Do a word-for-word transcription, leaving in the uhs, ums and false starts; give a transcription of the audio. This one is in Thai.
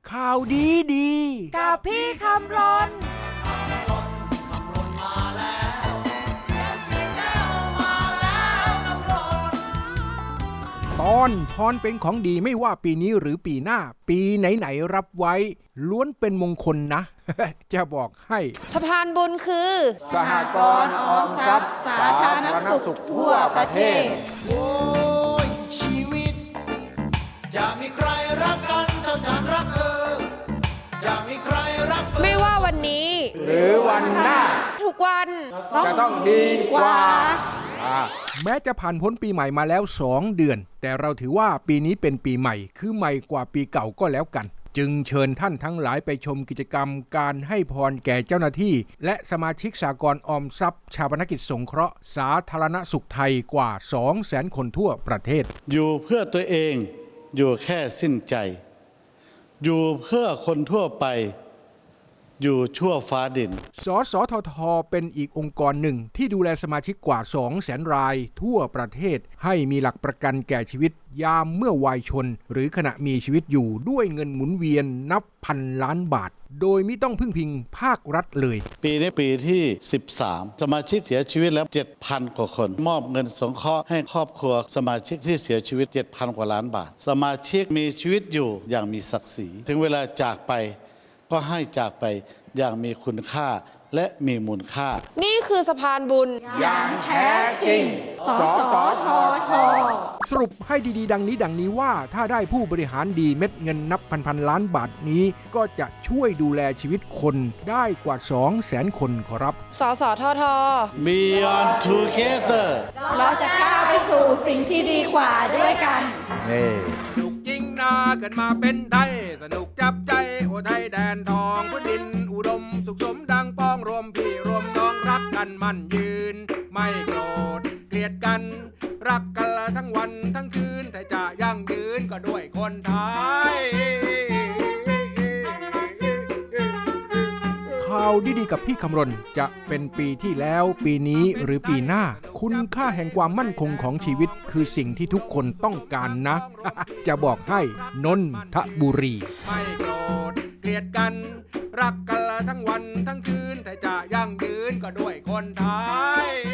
ข่าวดีดีกับพี่คำรนตอนพรเป็นของดีไม่ว่าปีนี้หรือปีหน้าปีไหนๆรับไว้ล้วนเป็นมงคลนะ จะบอกให้สะพานบุญคือสหกรณ์ออมทรัพย์สาธารณสุขทั่วประเทศโอ้ยชีวิตจะมีใครรักกันเท่าฉันรักเธอจะมีใครรักไม่ว่าวันนี้หรือวันหน้าทุกวันจะต้องดีกว่าแม้จะผ่านพ้นปีใหม่มาแล้วสองเดือนแต่เราถือว่าปีนี้เป็นปีใหม่คือใหม่กว่าปีเก่าก็แล้วกันจึงเชิญท่านทั้งหลายไปชมกิจกรรมการให้พรแก่เจ้าหน้าที่และสมาชิกสหกรณ์ออมทรัพย์ชาปนกิจสงเคราะห์สาธารณสุขไทยกว่า สองแสน คนทั่วประเทศอยู่เพื่อตัวเองอยู่แค่สิ้นใจอยู่เพื่อคนทั่วไปอยู่ชั่วฟ้าดินสสททเป็นอีกองค์กรหนึ่งที่ดูแลสมาชิกกว่า สองแสน รายทั่วประเทศให้มีหลักประกันแก่ชีวิตยามเมื่อวัยชนหรือขณะมีชีวิตอยู่ด้วยเงินหมุนเวียนนับพันล้านบาทโดยไม่ต้องพึ่งพิงภาครัฐเลยปีนี้ปีที่สิบสามสมาชิกเสียชีวิตแล้ว เจ็ดพัน กว่าคนมอบเงินสงเคราะห์ให้ครอบครัวสมาชิกที่เสียชีวิต เจ็ดพัน กว่าล้านบาทสมาชิกมีชีวิตอยู่อย่างมีศักดิ์ศรีถึงเวลาจากไปก็ให้จากไปอย่างมีคุณค่าและมีมูลค่านี่คือสะพานบุญอย่างแท้จริงสสททสรุปให้ดีๆดังนี้ดังนี้ว่าถ้าได้ผู้บริหารดีเม็ดเงินนับพันๆล้านบาทนี้ก็จะช่วยดูแลชีวิตคนได้กว่า สองแสน คนขอรับสสทท Beyond Together เราจะก้าวไปสู่สิ่งที่ดีกว่าด้วยกันสนุกจริงนาเกิดมาเป็นไทยสนุกจับใจโอไทยแดนทองพื้นดินอุดมสุขสมดังป้องรวมพี่รวมน้องรักกันมั่นยืนไม่โกรธเกลียดกันรักกันละทั้งวันทั้งคืนแต่จะยั่งยืนก็ด้วยคนไทยข่าวดีๆกับพี่คำรณจะเป็นปีที่แล้วปีนี้หรือปีหน้าคุณค่าแห่งความมั่นคงของชีวิตคือสิ่งที่ทุกคนต้องการนะ จะบอกให้นนทบุรีไม่โกรธเกลียดกันรักกันละทั้งวันทั้งคืนแต่จะยั่งยืนก็ด้วยคนไทย